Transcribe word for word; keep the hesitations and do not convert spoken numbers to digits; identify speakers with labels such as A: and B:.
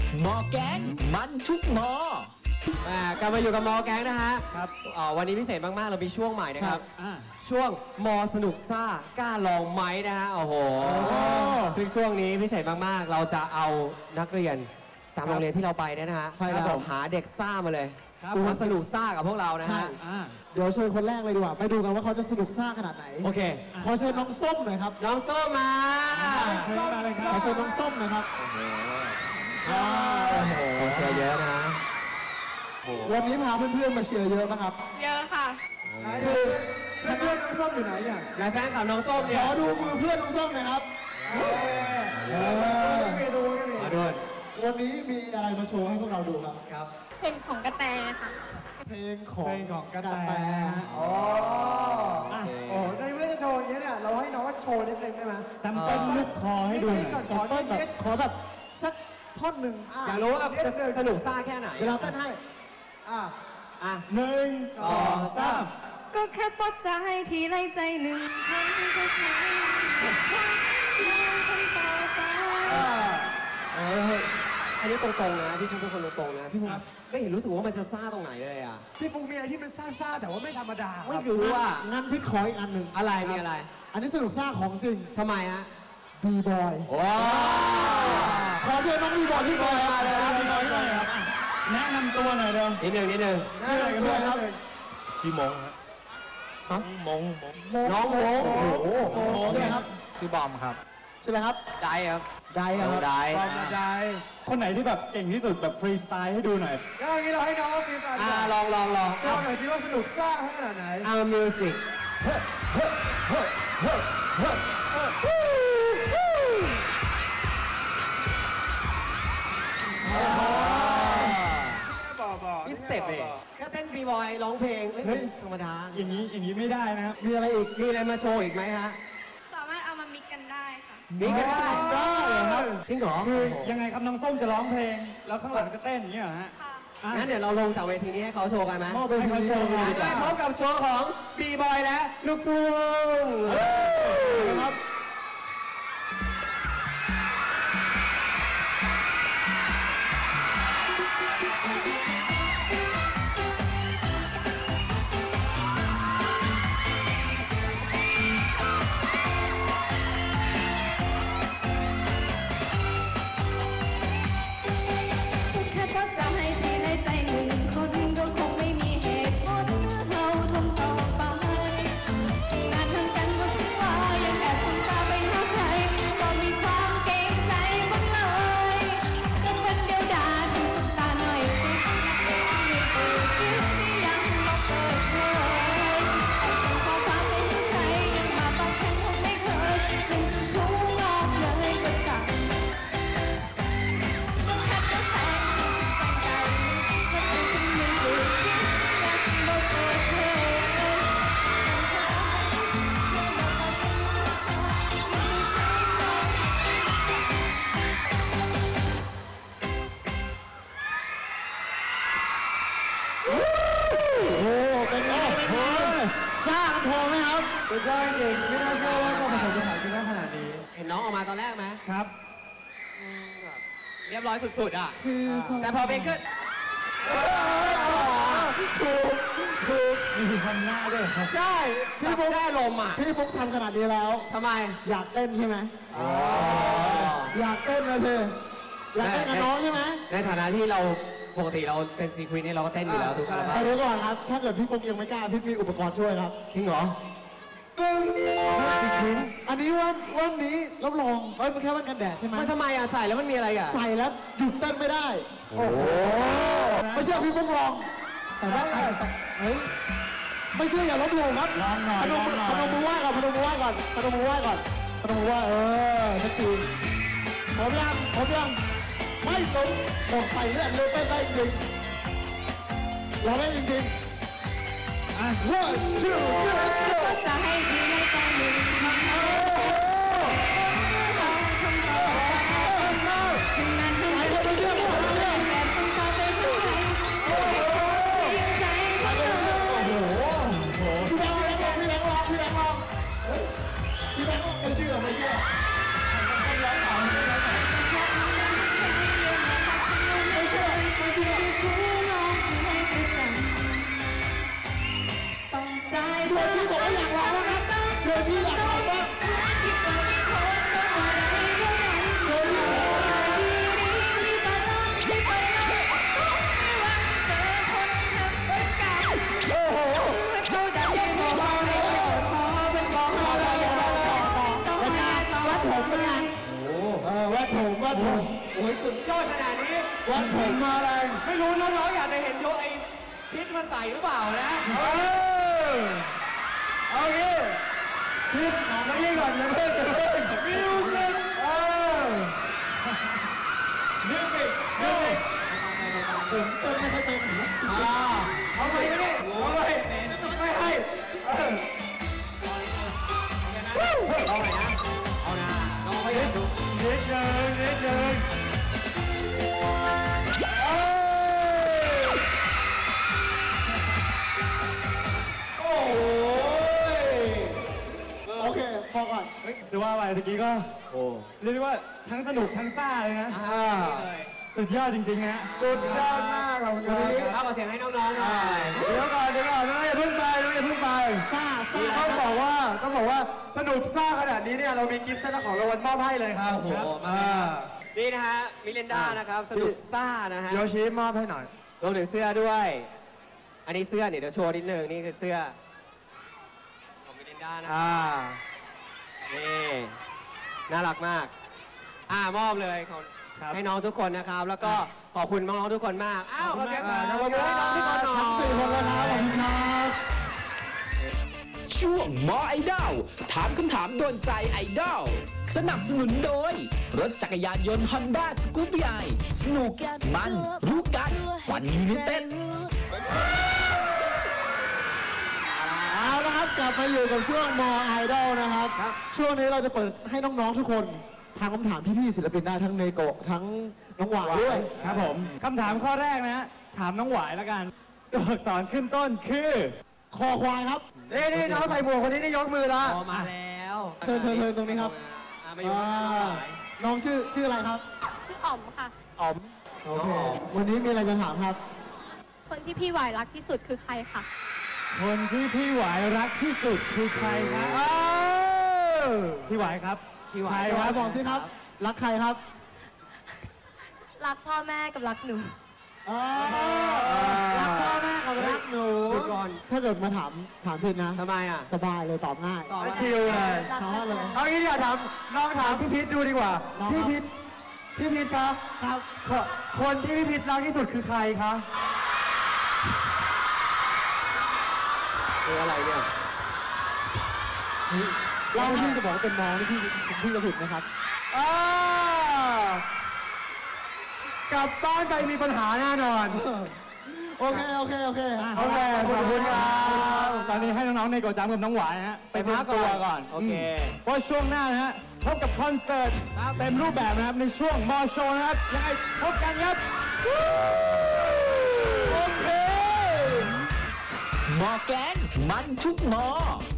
A: มอแกงมันทุกม
B: อกลับมาอยู่กับมอแก๊งนะฮะครับวันนี้พิเศษมากๆเรามีช่วงใหม่นะครับช่วงมอสนุกซ่ากล้าลองไหมนะฮะโอ้โหซึ่งช่วงนี้พิเศษมากๆเราจะเอานักเรียนตามโรงเรียนที่เราไปเนี่ยนะฮะใช่แล้วหาเด็กซ่ามาเลยมาสนุกซ่ากับพวกเรานะฮะ
C: เดี๋ยวเชิญคนแรกเลยดีกว่าไปดูกันว่าเขาจะสนุกซ่าขนาดไหน
B: โอเค
C: ขอเชิญน้องส้มหน่อยครับ
B: น้องส้มมา
C: ขอเชิญน้องส้มนะครับ
B: โอ้โหเชียร์เยอะนะ
C: วันนี้พาเพื่อนๆมาเชียร์เยอะป่ะครับ
D: เยอะค่ะ
C: คือฉันเพื่อนน้องส้มอยู่ไหนเนี่ย
B: นายแฟนคลับน้องส้มเนี่ย
C: ขอดูมือเพื่อนน้องส้มหน่อยครับมาดูมาดูวันนี้มีอะไรมาโชว์ให้พวกเราดูครับ
B: ครับ
D: เพลงของกระแตค่ะ
C: เพลงของ
E: เพลงของกระแต
C: อ๋อโอ้ในเมื่อจะโชว์อย่างนี้เนี่ยเราให้น้องโชว์นิดนึงได้ไหม
E: แซมเปิลลูกคอให้ดูหน่อย
C: แซมเปิลแบบขอแบบสักท่อนหนึ่ง
B: อยากรู้ว่าจะสนุกซ่าแค่ไหน
C: เวลาเต้นให้อ่ะ
B: อ่ะ
E: หนึ่งสองสาม
D: ก็แค่ปลดใจทีไรใจหนึ่งครั้งก็แค่คนต่อไป
B: เอออันนี้ตรงๆนะพี่ฟุ๊กเป็นคนตรงๆนะพี่ฟุ๊กไม่เห็นรู้สึกว่ามันจะซ่าตรงไหนเลยอ่ะ
C: พี่ฟุ๊กมีอะไรที่มันซ่าๆแต่ว่าไม่ธรรมดา
B: ไม่รู้ว่า
C: งั้นพี่ขออีกอันหนึ่ง
B: อะไรมีอะไร
C: อันนี้สนุกซ่าของจริง
B: ทำไมฮะ
C: บีบอย
B: ว้าว
C: ขอเชิญน้องบีบอยพี่บอยมาเลย
E: บีบอยด้วยครับแนะนำตัวหน่อยเร็ว
B: นิดหนึ่งนิดหนึ่ง
C: ชื่ออะไรกันครับ
E: ชื่อมงครับมงมง
C: น้องมงโอ้โหชื่ออะไรครับ
E: ชื่อบอมครับ
C: ชื่ออะไรครับ
B: ไดครับ
C: ไดครับ
B: ได
E: บอมไดคนไหนที่แบบเก่งที่สุดแบบฟรีสไตล์ให้ดูหน่อย
C: ก็อย่างนี้เราให้น้องฟรีสไตล์
B: อ่าลองลองลอง
C: โชว์หน่อยสิว่าสนุกซ่าขนาดไหน
B: เอามิวสิกนี่สเต็ปเลยก็เต้นบีบอยร้องเพลงธรรมดา
E: อย่างนี้อย่างนี้ไม่ได้นะครับ
C: มีอะไรอีก
B: มีอะไรมาโชว์อีกไหมฮะ
D: สามารถเอามามิกกันได้ค่ะ
B: มิกกันได้
C: ได้ครับ
B: จริงเหรอ
E: คือยังไงครับน้องส้มจะร้องเพลงแล้วข้างหลังจะเต้นอย่างนี้เหรอฮะ
D: ค่ะ
B: งั้นเดี๋ยวเราลงจากเวทีนี้ให้เขาโชว์กันไหม
C: ให้
B: เขาโชว์กันดีกว่าพบกับโชว์ของบีบอยและลูกทุ่ง
C: ครับ
E: สุดยอดจริงไม่น่าเชื่อว่าจะผสมผสานกันได้ขนาดนี้
B: เห็นน้องออกมาตอนแรกไหม
E: ครับ
B: เรียบร้อยสุดๆอ่ะแต่พอเป็นขึ้นถูกถูก
E: มีทำหน้าด้วย
B: ใช่พี่ฟุ๊กได้ลมอ่ะ
C: พี่ฟุ๊กทำขนาดนี้แล้ว
B: ทำไม
C: อยากเต้นใช่ไหมอยากเต้นเลยเธออยากเต้นกับน้องใช่ไหม
B: ในฐานะที่เราปกติเราเป็นซีควีนนี่เราก็เต้นอยู่แล้วทุกครั้ง
C: แต่เดี๋ยวก่อนครับถ้าเกิดพี่ฟุ๊กยังไม่กล้าพี่มีอุปกรณ์ช่วยครับ
B: จริงเหรอ
C: อันนี้วันวันนี้รับรองเอ้ยมันแค่วันกันแดดใช่ไหม
B: มันทำไมอ่ะใส่แล้วมันมีอะไรอ่ะ
C: ใส่แล้วหยุดเต้นไม่ได้โอ้โหไม่เชื่อพี่ฟุ๊กลองแต่ว่าเฮ้ยไม่เชื่ออย่าลบหลู่ครับ
E: ลองหน่อย
C: พนมมือพนมมือไหว้ก่อนพนมมือไหว้ก่อนพนมมือไหว้ก่อนพนมมือไหว้เออสักทีผมยังผมยังไม่สมหมดใส่เลือดเลยเต้นได้จริงเราได้จริงๆอ่ะ one two three
D: จะให้ทีในใจหนึ่งคำโอ้คำโตถึงนั้นถึงนั้นถึงนั้นแบบต้องตาไปทุกใจโอ้ใจก็เลย
C: โอ้โหพี่แบงค์พี่แบงค์ลองพี่แบงค์ลองพี่แบงค์ลองไม่เชื่อไม่เชื่อ
B: สุดยอดขนาดนี้
C: วันผมมาแรง
B: ไม่รู้น้องๆอยากจะเห็นโยไอ้พิษมาใส่หรือเปล่านะ
C: เออเอางี้พิษออกมายี่ก่อนอย่าเพิ่งอย่าเพิ่งมิวสิกเออมิวสิกมิวสิกผมเต้นไม่ค่อยเป็นอ่าเอาไปไม่ได้เอาไปไม่ให้เออ
B: เอาใหม่นะเอานะน้องไม่ได้ดู
C: นิดนึงนิดนึงเอ้ยโอ้ยโอเคพอก่อนเฮ้ยจะว่าไปตะกี้ก็โอ้เรียกได้ว่าทั้งสนุกทั้งซ่าเลยนะอ่าสุดยอดจริงๆฮะสุดยอดมากครับวันนี้
B: เอาเสียงให้น้องๆหน่อย
C: เดี๋ยวก่อนเดี๋ยวก่อนน้องอย่าเพิ่งไปน้องอย่าเพิ่งไปซ่าซ่าต้องบอกว่าต้องบอกว่าสนุกซ่าขนาดนี้เนี่ยเรามีกิฟต์เซตของรางวัลมอบให้เลยครับ
B: โอ้โห
C: อ่า
B: นี่นะฮะมิเลนดานะครับสนุกซ่านะฮะ
C: โยชิมอบให้หน่อย
B: รวมถึงเสื้อด้วย อันนี้เสื้อเนี่ยเดี๋ยวโชว์นิดนึงนี่คือเสื้อของมิเลนดานะ
C: อ่า
B: นี่น่ารักมากอ่ามอบเลยขอ
C: ครับ
B: ให้น้องทุกคนนะครับ แล้วก็ขอบคุณน้องๆทุกคนมากอ้าวขอเสียง
C: ขอบคุณมาก
B: ขอบคุณให้น้องทุกคนหน่อย
C: ทั้งสี่คนเลยครับขอบคุณครับ
A: ช่วงหมอไอดอลถามคำถามโดนใจไอดอลสนับสนุนโดย รถจักรยานยนต์ Honda Scoopy i สนุกมันรู้กันฝันยูไนเต็ด
C: เอาละครับกลับมาอยู่กับช่วงมอไอดอลนะครับ ช่วงนี้เราจะเปิดให้น้องๆทุกคนทางคำถามพี่ๆศิลปินได้ทั้งเนโกะทั้งน้องหวายด้วย
E: ครับผมคำถามข้อแรกนะฮะถามน้องหวายแล้วกันตัวอักษรขึ้นต้นคือ
C: คอควายครับนี่นี่น้องใส่หมวกคนนี้นี่ยกมือละ
B: พอมาแล้ว
C: เชิญเชิญเชิญตรงนี้ครับ
B: อ่ะมาอยู่ข้างหน้าน้องหวาย
C: น้องชื่อชื่ออะไรครับ
D: ชื่ออ๋อมค่ะ
C: อ๋อมโอเควันนี้มีอะไรจะถามครับ
D: คนที่พี่หวายรักที่สุดคือใครค่ะ
E: คนที่พี่หวายรักที่สุดคือใครครับ
C: เออ
E: พี่หวายครับ
B: พี่หวา
E: ใคร
B: ย
C: ห
E: คว
C: า
E: รั
C: ยบอกสิครับ รักใครครับ
D: รักพ่อแม่กับรักหนู
C: อ๋อรักพ่อแม่กับรักหนู
B: เดี๋ยวก่อน
C: ถ้าเกิดมาถามถามผิดนะ
B: ทำไมอ่ะ
C: สบายเลยตอบง่าย
B: ตอบว่า
E: ชิลเลย
C: ถามว่าเลย
E: เอางี้อย่าถามน้องถามพี่พิษดูดีกว่า
C: น้องครับ
E: พี่พิษพี่พิษครับ
C: ครับ
E: คคนที่พี่พิษรักที่สุดคือใครคะ
B: คืออะไรเนี่ย
C: เราพี่จะบอกว่าเป็นน้องนี่พี่พี่จะผิดไหมครับ
E: อ่ากลับบ้านไปมีปัญหาแน่นอน
C: โอเค โอเค โอเค
E: โอเคขอบคุณครับตอนนี้ให้น้องๆในโกจัมกับน้องหวายฮะ
B: ไปพักก่อน
E: เตรียมตัวก่อน
B: โอเค
E: เพราะช่วงหน้านะฮะพบกับคอนเสิร์ต
B: ครับ
E: เต็มรูปแบบนะครับในช่วงมอโชว์นะครับยังไงพบกันครับ
A: หมอแกงมันทุกหมอ